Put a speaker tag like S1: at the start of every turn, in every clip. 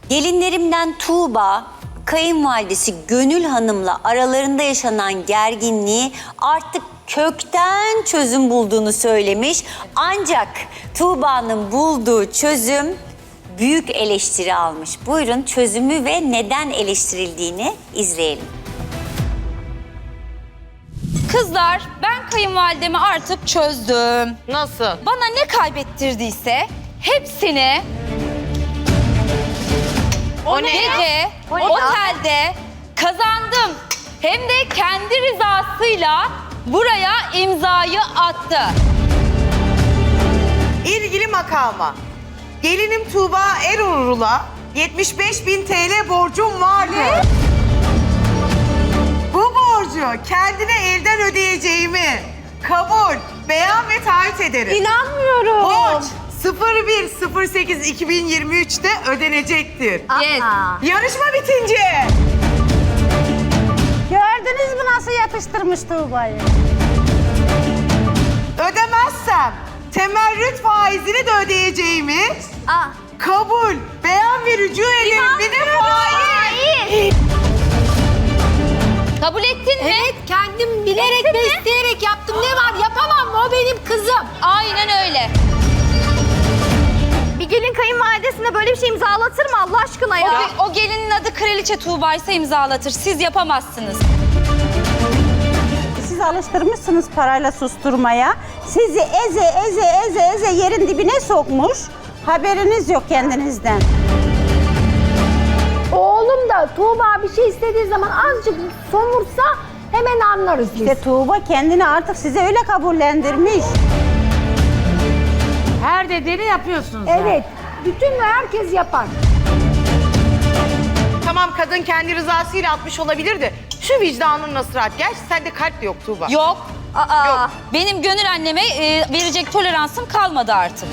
S1: Gelinlerimden Tuğba, kayınvalidesi Gönül Hanım'la aralarında yaşanan gerginliği artık kökten çözüm bulduğunu söylemiş. Ancak Tuğba'nın bulduğu çözüm büyük eleştiri almış. Buyurun çözümü ve neden eleştirildiğini izleyelim.
S2: Kızlar, ben kayınvalidemi artık çözdüm.
S3: Nasıl?
S2: Bana ne kaybettirdiyse hepsini
S3: O ne ya?
S2: gece
S3: O ne ya?
S2: otelde kazandım. Hem de kendi rızasıyla buraya imzayı attı.
S4: İlgili makama. Gelinim Tuğba Erurul'a 75.000 TL borcum vardı. Bu borcu kendine elden ödeyeceğimi kabul, beyan ve taahhüt ederim.
S3: İnanmıyorum.
S4: Borç 01.08.2023'te ödenecektir.
S2: Yes.
S4: Yarışma bitince
S5: Gördünüz mü nasıl yatıştırmış Tuğba'yı?
S4: ödemezsem temerrüt faizini de ödeyeceğimi kabul, beyan ve rücu ederim. Bir de faiz.
S2: Kabul ettin mi?
S3: Evet, kendim bilerek ve isteyerek yaptım. Ne var? Yapamam mı? O benim kızım.
S2: Aynen öyle.
S6: Bir gelin kayınvalidesine böyle bir şey imzalatır mı Allah aşkına ya?
S2: O gelinin adı Kraliçe Tuğba ise imzalatır. Siz yapamazsınız.
S5: Siz alıştırmışsınız parayla susturmaya. Sizi eze yerin dibine sokmuş. Haberiniz yok kendinizden.
S3: Oğlum da Tuğba bir şey istediği zaman azıcık somursa hemen anlarız biz.
S5: İşte Tuğba kendini artık size öyle kabullendirmiş.
S7: Her dediğini yapıyorsunuz.
S3: Evet, bütün herkes yapar.
S4: Tamam kadın kendi rızasıyla atmış olabilir de şu vicdanın nasıl rahat? Gerçi sende kalp de yok Tuğba.
S2: Yok.
S4: Yok.
S2: Benim gönül anneme verecek toleransım kalmadı artık.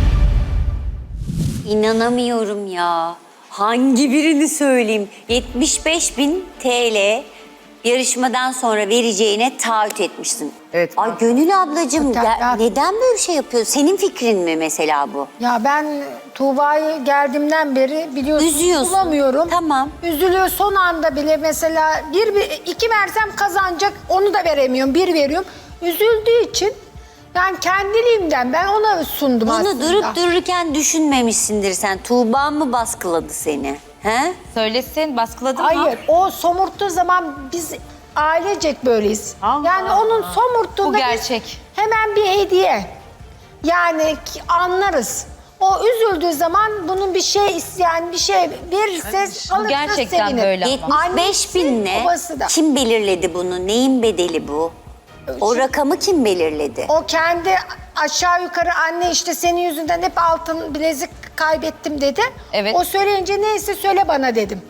S1: İnanamıyorum ya. Hangi birini söyleyeyim? 75.000 TL yarışmadan sonra vereceğine taahhüt etmişsin.
S4: Evet.
S1: Ay Gönül ablacığım
S3: Ya-
S1: neden böyle bir şey yapıyorsun? Senin fikrin mi mesela bu?
S3: Ya ben Tuğba'yı geldiğimden beri biliyorsunuz
S1: Üzüyorsun.
S3: bulamıyorum.
S1: Tamam.
S3: Üzülüyor son anda bile mesela iki versem kazanacak onu da veremiyorum. Bir veriyorum. Üzüldüğü için yani kendiliğimden ben ona sundum
S1: Bunu
S3: aslında.
S1: durup dururken düşünmemişsindir sen. Tuğba mı baskıladı seni? He?
S2: Söylesin, baskıladın mı?
S3: Hayır, o somurttuğu zaman biz ailecek böyleyiz. Yani onun somurttuğunda
S2: Bu gerçek.
S3: biz hemen bir hediye. Yani anlarız. O üzüldüğü zaman bunun bir şey isteyen bir şey verirse alırsa
S2: gerçekten
S3: sevinir.
S2: böyle ama.
S1: 75.000 ne?
S3: Babası da.
S1: Kim belirledi bunu? Neyin bedeli bu? O rakamı kim belirledi?
S3: O kendi aşağı yukarı anne işte senin yüzünden hep altın bilezik kaybettim dedi.
S2: Evet.
S3: O söyleyince neyse söyle bana dedim.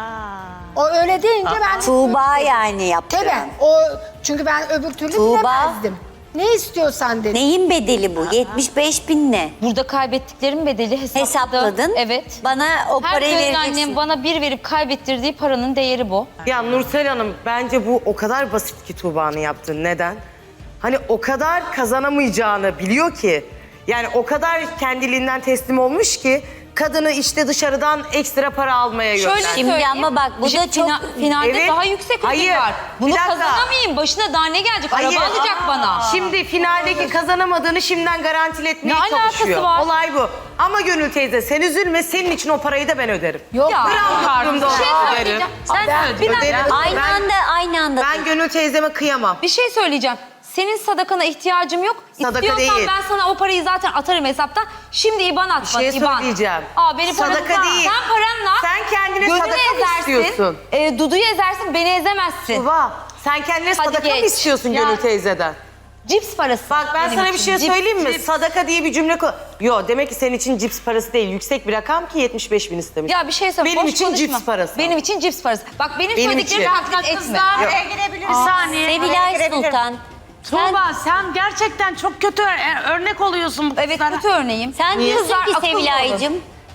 S3: O öyle deyince ben...
S1: Tuğba yani yaptı.
S3: Tabii. O, çünkü ben öbür türlü
S1: Tuğba.
S3: bilemezdim. Ne istiyorsan dedim.
S1: Neyin bedeli bu? 75.000 ne?
S2: Burada kaybettiklerimin bedeli hesapladım.
S1: Hesapladın.
S2: Evet.
S1: Bana o
S2: Her
S1: parayı
S2: gönül
S1: vereceksin.
S2: annem bana bir verip kaybettirdiği paranın değeri bu.
S4: Ya Nursel Hanım bence bu o kadar basit ki Tuğba'nın yaptığı. Neden? Hani o kadar kazanamayacağını biliyor ki. Yani o kadar kendiliğinden teslim olmuş ki kadını işte dışarıdan ekstra para almaya
S2: Şöyle
S4: yönlendirdi.
S1: Şimdi
S2: söyleyeyim.
S1: ama bak bu
S2: Bir şey,
S1: da çok...
S2: Finalde
S4: Evet.
S2: daha yüksek ödül
S4: Hayır.
S2: var. Bunu
S4: Bir dakika.
S2: kazanamayayım. Başına daha ne gelecek?
S4: Hayır.
S2: Araba alacak bana.
S4: Şimdi finaldeki kazanamadığını şimdiden garantiletmeye
S2: Ne alakası
S4: çalışıyor.
S2: var?
S4: Olay bu. Ama Gönül teyze sen üzülme, senin için o parayı da ben öderim.
S3: Yok.
S2: Ya,
S4: Gram
S2: bir
S4: durumda
S2: şey
S4: olmaz.
S2: söyleyeceğim. Sen
S4: Ben
S2: bir dakika.
S4: öderim.
S1: Aynı anda.
S4: Ben Gönül teyzeme kıyamam.
S2: Bir şey söyleyeceğim. Senin sadakana ihtiyacım yok.
S4: Sadaka
S2: İstiyorsan
S4: değil.
S2: ben sana o parayı zaten atarım hesaptan. Şimdi IBAN at
S4: Bir
S2: bana,
S4: şey
S2: IBAN.
S4: söyleyeceğim.
S2: Benim param
S4: Sadaka
S2: var.
S4: değil.
S2: Sen paranla
S4: Sen kendine
S2: Gönül'ü
S4: sadaka mı
S2: ezersin,
S4: istiyorsun?
S2: Dudu'yu ezersin, beni ezemezsin.
S4: Tuğba, sen kendine
S2: Hadi
S4: sadaka mı
S2: geç.
S4: istiyorsun
S2: Ya.
S4: Gönül teyzeden?
S2: Cips parası.
S4: Bak ben
S2: benim
S4: sana bir
S2: için.
S4: şey
S2: Cips,
S4: söyleyeyim mi?
S2: cips.
S4: Sadaka diye bir cümle Yo demek ki senin için cips parası değil. Yüksek bir rakam ki 75.000 istemiş.
S2: Ya bir şey söyle.
S4: Benim
S2: boş
S4: için
S2: konuşma.
S4: cips parası.
S2: Benim için cips parası. Bak benim
S4: Benim
S2: söylediklerimi
S4: için.
S2: taklit etme.
S7: Kızlar bir saniye.
S1: Sevilay Sultan.
S7: Tuğba sen gerçekten çok kötü örnek oluyorsun bu
S2: Evet
S7: kızlara.
S2: kötü örneğim.
S1: Sen
S2: Niye?
S1: diyorsun
S2: Kızlar
S1: ki
S2: akıllı olun.
S1: Sevilay'cığım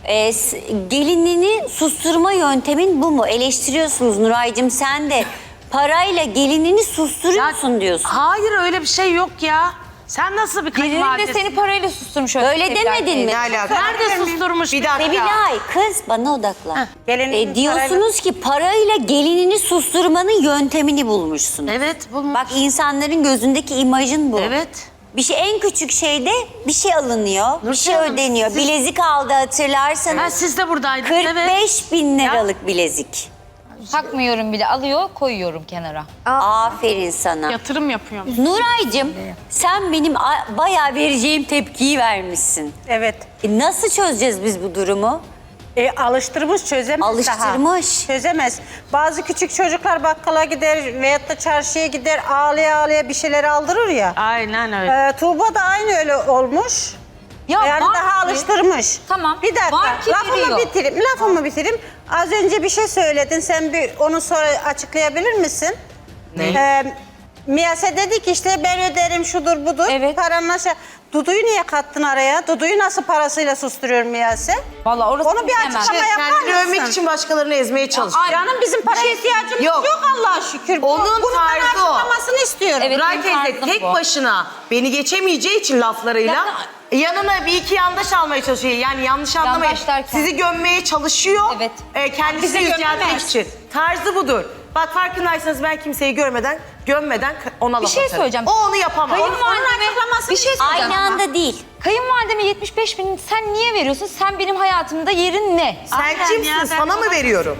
S1: gelinini susturma yöntemin bu mu? Eleştiriyorsunuz Nuray'cığım sen de parayla gelinini susturuyorsun diyorsun.
S7: Hayır öyle bir şey yok ya. Sen nasıl bir
S2: Gelinin de
S7: kayınvalidesin?
S2: seni parayla susturmuş. öyle
S1: Öyle
S2: Sevilay
S1: demedin
S2: teyze.
S1: mi?
S4: Ne alaka?
S7: Nerede susturmuş?
S4: Bir dakika.
S1: Sevilay kız bana odaklan.
S5: Gelinin
S1: Diyorsunuz ki parayla gelinini susturmanın yöntemini bulmuşsunuz.
S7: Evet bulmuş.
S1: Bak insanların gözündeki imajın bu.
S7: Evet.
S1: Bir şey en küçük şeyde bir şey alınıyor, bir şey
S7: Hanım,
S1: ödeniyor.
S7: siz-
S1: Bilezik aldı hatırlarsanız.
S7: Ha, siz de buradaydınız.
S1: 45 bin liralık bilezik.
S2: Takmıyorum bile, alıyor koyuyorum kenara.
S1: Aferin sana.
S7: Yatırım yapıyorum.
S1: Nuray'cığım sen benim bayağı vereceğim tepkiyi vermişsin.
S5: Evet.
S1: Nasıl çözeceğiz biz bu durumu?
S5: Alıştırmış, çözemez daha.
S1: Alıştırmış.
S5: Çözemez. Bazı küçük çocuklar bakkala gider veyahut da çarşıya gider ağlaya ağlaya bir şeyler aldırır ya.
S7: Aynen öyle.
S5: Tuğba da aynı öyle olmuş.
S2: Ya
S5: Yani
S2: var
S5: daha
S2: ki-
S5: alıştırmış.
S2: Tamam,
S5: Bir dakika.
S2: var ki veriyor.
S5: Lafımı bitireyim. Az önce bir şey söyledin. Sen bir onu sonra açıklayabilir misin?
S4: Ne?
S5: Miyase dedi ki işte ben öderim şudur budur.
S2: Evet.
S5: Paranla şey. Dudu'yu niye kattın araya? Dudu'yu nasıl parasıyla susturuyor Miyase?
S2: Vallahi orası
S5: Onu bir
S2: bilemem.
S5: açıklama yapar
S4: Kendini
S5: mısın?
S4: övmek için başkalarını ezmeye çalışıyor.
S5: Canım bizim paraya ihtiyacımız
S4: Yok.
S5: yok Allah'a şükür.
S4: Onun
S5: Bunun bana
S4: tarzı o.
S5: açıklamasını istiyorum.
S2: Evet.
S4: Nuray
S2: benim
S4: teyze
S2: tarzım
S4: tek
S2: bu.
S4: başına beni geçemeyeceği için laflarıyla yanına bir iki yandaş almaya çalışıyor. Yani yanlış anlamayın.
S2: Yandaş derken?
S4: Sizi gömmeye çalışıyor.
S2: Evet.
S4: Kendisini
S5: Bizi
S4: yüceltmek
S5: gömmemez.
S4: için. Tarzı budur. Bak farkındaysanız ben kimseyi gömmeden ona
S2: Bir
S4: laf
S2: şey
S4: atarım.
S2: söyleyeceğim.
S4: O onu yapamaz.
S2: Kayınvalideme bir şey söyleyeceğim.
S1: Aynı anda değil.
S2: Kayınvalideme 75 bin sen niye veriyorsun? Sen benim hayatımda yerin ne?
S4: Sen
S7: Aynen
S4: kimsin?
S7: ya, ben
S4: Sana mı
S7: ona-
S4: veriyorum?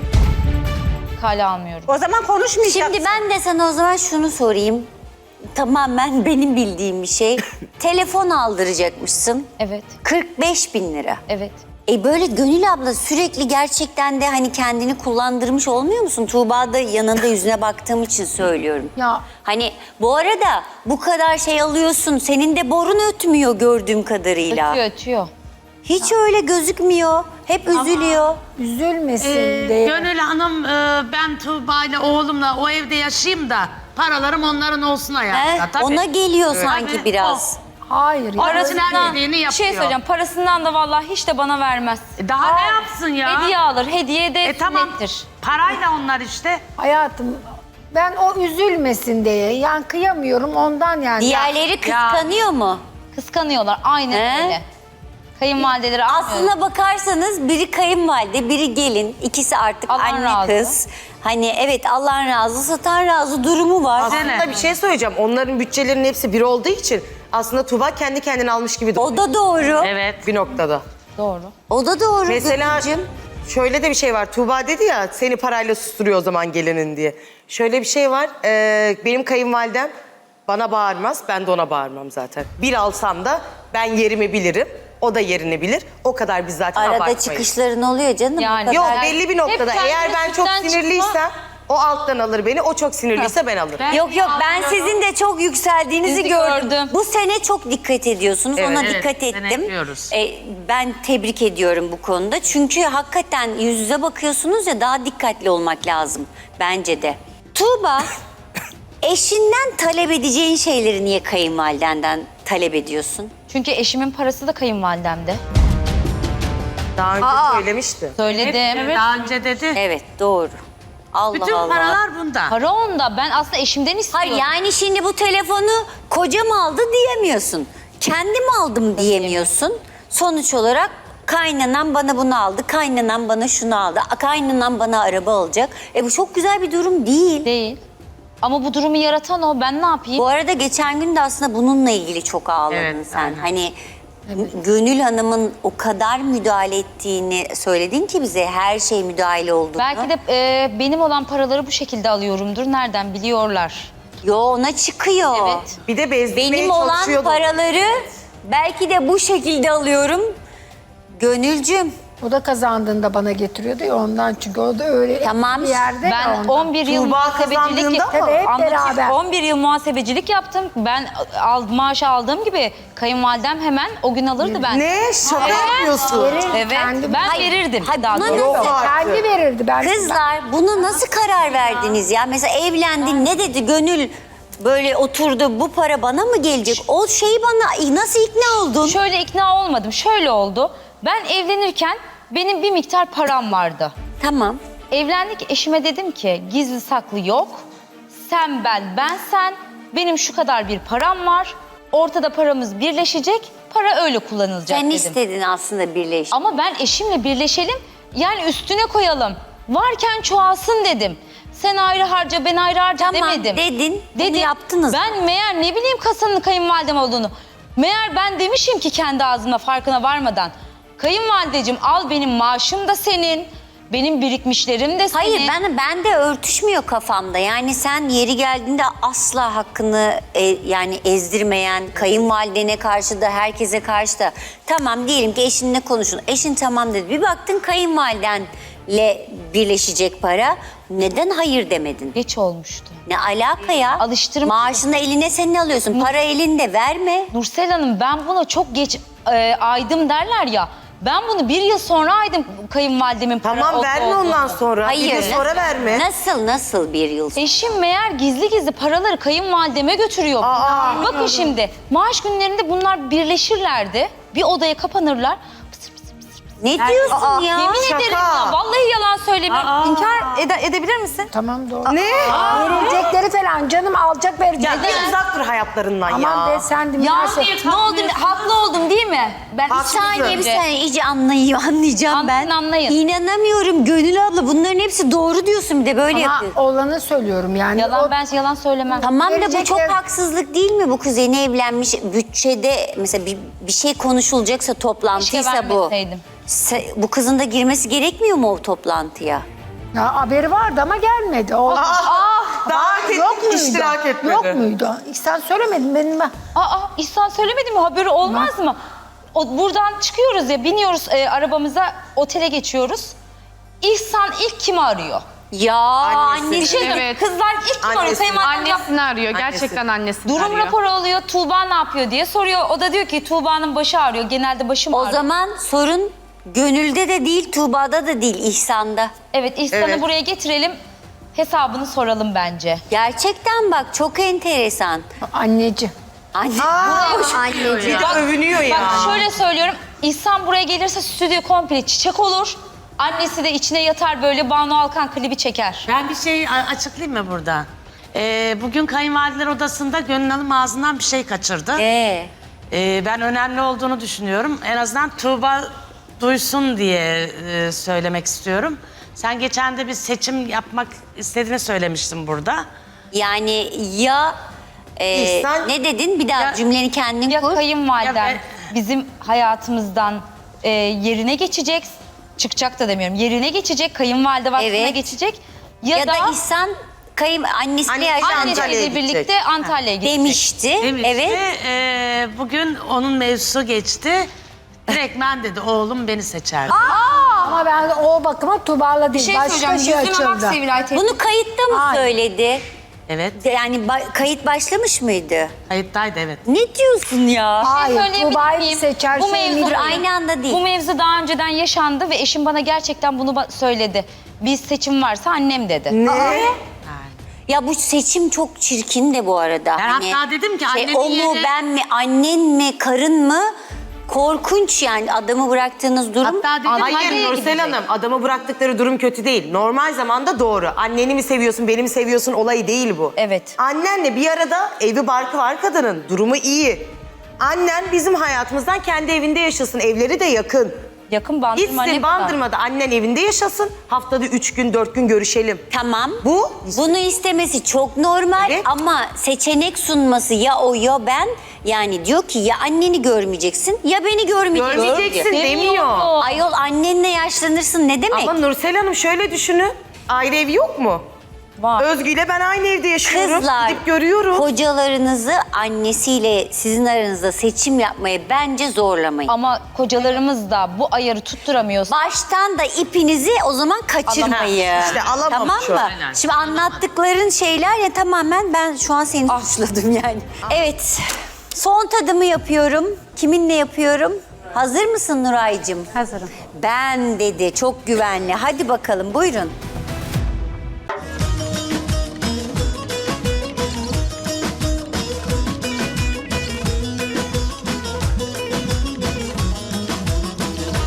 S2: Kale almıyorum.
S5: O zaman konuşmayacaksın.
S1: Şimdi ben de sana o zaman şunu sorayım. Tamamen benim bildiğim bir şey. Telefon aldıracakmışsın.
S2: Evet,
S1: 45 bin lira.
S2: evet.
S1: Böyle Gönül abla sürekli gerçekten de hani kendini kullandırmış olmuyor musun? Tuğba da yanında yüzüne baktığım için söylüyorum.
S3: Ya.
S1: Hani bu arada bu kadar şey alıyorsun. Senin de borun ötmüyor gördüğüm kadarıyla.
S2: Ötüyor.
S1: Hiç öyle gözükmüyor. Hep üzülüyor.
S3: Üzülmesin diye.
S7: Gönül Hanım ben Tuğba ile oğlumla o evde yaşayayım da paralarım onların olsun hayatında. Tabii.
S1: Ona geliyor sanki
S7: Tabii,
S1: biraz.
S3: Hayır. Ya.
S7: Parasından dediğini
S2: Bir şey
S7: yapıyor.
S2: söyleyeceğim. Parasından da vallahi hiç de bana vermez.
S7: Daha ne yapsın ya?
S2: Hediye alır. Hediye de
S7: Tamam.
S2: sünnettir.
S7: Parayla onlar işte.
S3: Hayatım ben o üzülmesin diye. Yani kıyamıyorum ondan yani.
S1: Diğerleri kıskanıyor mu?
S2: Kıskanıyorlar. Aynen
S1: He?
S2: öyle. Kayınvalideleri almıyor.
S1: Aslına bakarsanız biri kayınvalide, biri gelin. İkisi artık
S2: Allah
S1: anne
S2: razı.
S1: kız. Hani evet Allah'ın razı, satan razı durumu var.
S4: Aslında bir şey söyleyeceğim. Onların bütçelerinin hepsi bir olduğu için aslında Tuğba kendi kendine almış gibi duruyor.
S1: O da doğru.
S7: Evet.
S4: Bir noktada.
S2: Doğru.
S1: O da doğru.
S4: Mesela
S1: Gönülcüm.
S4: şöyle de bir şey var. Tuğba dedi ya seni parayla susturuyor o zaman gelinin diye. Şöyle bir şey var. Benim kayınvalidem bana bağırmaz. Ben de ona bağırmam zaten. Bir alsam da ben yerimi bilirim. O da yerini bilir. O kadar biz zaten
S1: Arada
S4: abartmayız.
S1: çıkışların oluyor canım.
S2: Yani.
S1: Bu
S4: Yok
S1: kadar.
S4: belli bir noktada.
S2: Hep
S4: Eğer ben çok
S2: kendisinden
S4: sinirliysem o alttan alır beni. O çok sinirliyse ben alırım.
S2: Ben-
S1: Yok ben sizin de çok yükseldiğinizi
S2: Sizi
S1: gördüm.
S2: gördüm.
S1: Bu sene çok dikkat ediyorsunuz. Ona
S7: Evet,
S1: dikkat ettim.
S7: denetliyoruz.
S1: Ben tebrik ediyorum bu konuda. Çünkü hakikaten yüz yüze bakıyorsunuz ya daha dikkatli olmak lazım bence de. Tuğba, eşinden talep edeceğin şeyleri niye kayınvalidenden talep ediyorsun?
S2: Çünkü eşimin parası da kayınvalidemde.
S4: Daha önce söylemişti.
S2: Söyledim.
S7: Evet. Daha önce dedi.
S1: Evet doğru. Allah
S7: Bütün
S1: Allah.
S7: paralar bunda.
S2: Para onda. Ben aslında eşimden istiyorum.
S1: Hayır yani şimdi bu telefonu kocam aldı diyemiyorsun. Kendim aldım diyemiyorsun. Sonuç olarak kaynanan bana bunu aldı, kaynanan bana şunu aldı, kaynanan bana araba alacak. Bu çok güzel bir durum değil.
S2: Değil. Ama bu durumu yaratan o. Ben ne yapayım?
S1: Bu arada geçen gün de aslında bununla ilgili çok ağladın
S7: Evet,
S1: sen.
S7: aynen.
S1: Hani Gönül Hanım'ın o kadar müdahale ettiğini söyledin ki bize her şey müdahale olduğunu.
S2: Belki de benim olan paraları bu şekilde alıyorumdur. Nereden biliyorlar?
S1: Yo ona çıkıyor.
S2: Evet.
S4: Bir de bezdirmeye
S1: Benim olan
S4: çalışıyordu.
S1: paraları belki de bu şekilde alıyorum. Gönülcüm
S3: O da kazandığında bana getiriyordu ya ondan çünkü o da öyle
S1: Tamam.
S3: bir yerde
S2: Ben
S3: ya ondan.
S2: 11 yıl
S4: Tuğba
S2: muhasebecilik
S4: kazandığında mı?
S3: Tabii, hep
S2: Anlatayım.
S3: beraber.
S2: 11 yıl muhasebecilik yaptım. Ben maaşı aldığım gibi kayınvalidem hemen o gün alırdı ben.
S4: Ne? Şaka yapıyorsun.
S3: Verirdi,
S2: Evet.
S3: kendi-
S2: Ben
S1: Hayır,
S2: verirdim.
S1: hayır,
S2: daha
S1: buna
S2: doğrusu.
S1: ne-
S4: Yok artık.
S3: Kendi verirdi. Ben
S1: kızlar buna nasıl karar verdiniz ya? Mesela evlendin ne dedi Gönül böyle oturdu bu para bana mı gelecek? O şeyi bana nasıl ikna oldun?
S2: Şöyle ikna olmadım. Şöyle oldu. Ben evlenirken benim bir miktar param vardı.
S1: Tamam.
S2: Evlendik, eşime dedim ki gizli saklı yok. Sen ben sen. Benim şu kadar bir param var. Ortada paramız birleşecek. Para öyle kullanılacak
S1: Sen
S2: dedim.
S1: istedin aslında birleş.
S2: Ama ben eşimle birleşelim. Yani üstüne koyalım. Varken çoğalsın dedim. Sen ayrı harca, ben ayrı harca
S1: Tamam
S2: demedim.
S1: dedin. Bunu yaptınız.
S2: Ben meğer ne bileyim kasanın kayınvalidem olduğunu. Meğer ben demişim ki kendi ağzımla farkına varmadan. Kayınvalideciğim al benim maaşım da senin. Benim birikmişlerim de senin.
S1: Hayır ben de örtüşmüyor kafamda. Yani sen yeri geldiğinde asla hakkını yani ezdirmeyen, kayınvalidene karşı da herkese karşı da tamam diyelim ki eşinle konuşun. Eşin tamam dedi. Bir baktın kayınvalidenle birleşecek para. Neden hayır demedin?
S2: Geç olmuştu.
S1: Ne alaka ya?
S2: Alıştırma.
S1: Maaşını eline senin alıyorsun. Para elinde verme.
S2: Nursel Hanım ben buna çok geç aydım derler ya. Ben bunu 1 yıl sonra aydım kayınvalidemin para
S4: Tamam
S2: olup
S4: verme
S2: olduğunu.
S4: ondan sonra.
S1: Hayır.
S4: Bir gün sonra verme.
S1: Nasıl bir yıl sonra?
S2: Eşim meğer gizli gizli paraları kayınvalideme götürüyor. Bakın şimdi maaş günlerinde bunlar birleşirlerdi. Bir odaya kapanırlar.
S1: Ne diyorsun ya?
S2: Yemin
S4: şaka.
S2: ederim ya vallahi yalan söylemiyorum. İnkar edebilir misin?
S3: Tamam doğru.
S4: Ne?
S3: Verilecekleri falan canım alacak verecek.
S4: Ya bir uzak dur hayatlarından
S3: Aman
S4: ya.
S3: be sen de
S2: Ya
S3: münasebet.
S2: ne oldu? Haklı oldum değil mi? Ben
S1: Bir saniye iyice anlayacağım ben.
S2: Anlayın.
S1: İnanamıyorum Gönül abla bunların hepsi doğru diyorsun bir de böyle
S3: Ama
S1: yapıyorsun.
S3: olanı söylüyorum yani.
S2: ben yalan söylemem.
S1: Tamam da bu
S3: Verecekler-
S1: çok haksızlık değil mi? Bu kız yeni evlenmiş bütçede mesela bir şey konuşulacaksa toplantıysa
S2: Keşke
S1: bu.
S2: vermeseydim.
S1: Bu kızın da girmesi gerekmiyor mu o toplantıya?
S3: Ya haberi vardı ama gelmedi. O,
S4: Davet ettik,
S3: yok muydu?
S4: iştirak etmedi.
S3: Yok muydu? Sen söylemedin benim ben.
S2: İhsan söylemedi mi? Haberi olmaz mı? Buradan çıkıyoruz ya, biniyoruz arabamıza, otele geçiyoruz. İhsan ilk kimi arıyor?
S1: Ya
S4: Annesi.
S1: annesi.
S2: Bir şey söyleyeyim,
S8: Evet.
S2: kızlar ilk kim arıyor?
S4: Annesi.
S2: Kayınvalidem
S8: Annesini arıyor. Gerçekten annesini
S2: durum
S8: arıyor.
S2: raporu alıyor, Tuğba ne yapıyor diye soruyor. O da diyor ki Tuğba'nın başı ağrıyor, genelde başım
S1: O
S2: ağrıyor.
S1: zaman sorun Gönül'de de değil, Tuğba'da da değil, İhsan'da.
S2: Evet, İhsan'ı
S4: Evet.
S2: buraya getirelim, hesabını soralım bence.
S1: Gerçekten bak çok enteresan.
S3: Anneci.
S1: Anne,
S4: Bir de övünüyor ya.
S2: Bak şöyle söylüyorum, İhsan buraya gelirse stüdyo komple çiçek olur. Annesi de içine yatar böyle Banu Alkan klibi çeker.
S7: Ben bir şey açıklayayım mı burada? Bugün kayınvalideler odasında Gönül Hanım ağzından bir şey kaçırdı. Ben önemli olduğunu düşünüyorum. En azından Tuğba duysun diye söylemek istiyorum. Sen geçen de bir seçim yapmak istediğini söylemiştin burada.
S1: Yani ya
S4: İhsan-
S1: ne dedin? Bir daha
S7: Ya-
S1: cümleni kendin
S2: Ya
S1: kur.
S2: kayınvalidem
S7: Ya
S2: bizim hayatımızdan yerine geçecek, çıkacak da demiyorum, yerine geçecek, kayınvalide vasfına
S1: Evet.
S2: geçecek.
S1: Ya da İhsan annesiyle
S4: Annesi
S1: yaşanacak
S4: Antalya'ya
S2: annesiyle birlikte
S4: gidecek.
S2: Antalya'ya gidecek.
S1: demişti.
S7: Demişti.
S1: Evet.
S7: Bugün onun mevzusu geçti. Direkt ben dedi oğlum beni seçer.
S3: Ama ben o bakıma Tuğba'la değil. Başka şey açıldı.
S1: Bunu kayıtta mı
S3: Hayır.
S1: söyledi?
S7: Evet.
S1: Yani kayıt başlamış mıydı?
S7: Kayıttaydı evet.
S1: Ne diyorsun ya?
S3: Hayır
S2: söyleyebilir
S3: Tuğba'yı
S2: miyim?
S3: seçer
S2: Bu
S3: şey
S2: mevzu-
S3: mi?
S1: Aynı anda değil.
S2: Bu mevzu daha önceden yaşandı ve eşim bana gerçekten bunu söyledi. Bir seçim varsa annem dedi.
S1: Ya bu seçim çok çirkin de bu arada.
S7: Ben hatta dedim ki annenin
S1: o mu
S7: yerine-
S1: ben mi annen mi karın mı? Korkunç yani adamı bıraktığınız durum.
S7: Hatta dedim
S4: Hayır
S7: Antalya'ya
S4: Nursel
S7: gidecek.
S4: Hanım, adamı bıraktıkları durum kötü değil. Normal zamanda doğru. Anneni mi seviyorsun, beni mi seviyorsun olayı değil bu.
S2: Evet.
S4: Annenle bir arada evi barkı var kadının. Durumu iyi. Annen bizim hayatımızdan kendi evinde yaşasın. Evleri de yakın.
S2: Yakın Bandırma ne
S4: Gitsin
S2: kadar?
S4: Bandırma'da annen evinde yaşasın. Haftada 3 gün 4 gün görüşelim.
S1: Tamam.
S4: Bu-
S1: Bunu istemesi çok normal
S4: Evet.
S1: ama seçenek sunması ya o ya ben. Yani diyor ki ya anneni görmeyeceksin ya beni görmeyeceksin.
S4: Görmeyeceksin
S1: diyor.
S4: demiyor.
S1: Ayol annenle yaşlanırsın ne demek?
S4: Ama Nursel Hanım şöyle düşünün. Ayrı evi yok mu?
S2: Var.
S4: Özgü ile ben aynı evde yaşıyorum.
S1: Kızlar,
S4: Gidip görüyorum.
S1: kocalarınızı annesiyle sizin aranızda seçim yapmayı bence zorlamayın.
S2: Ama kocalarımız da bu ayarı tutturamıyorsa
S1: Baştan da ipinizi o zaman kaçırmayın.
S4: İşte alamamış
S1: Tamam
S4: o.
S1: mı?
S7: Aynen.
S1: Şimdi anlattıkların şeyler ya tamamen ben şu an seni suçladım yani. Evet. Son tadımı yapıyorum. Kiminle yapıyorum? Hazır mısın Nuray'cığım?
S5: Hazırım.
S1: Ben dedi çok güvenli. Hadi bakalım buyurun.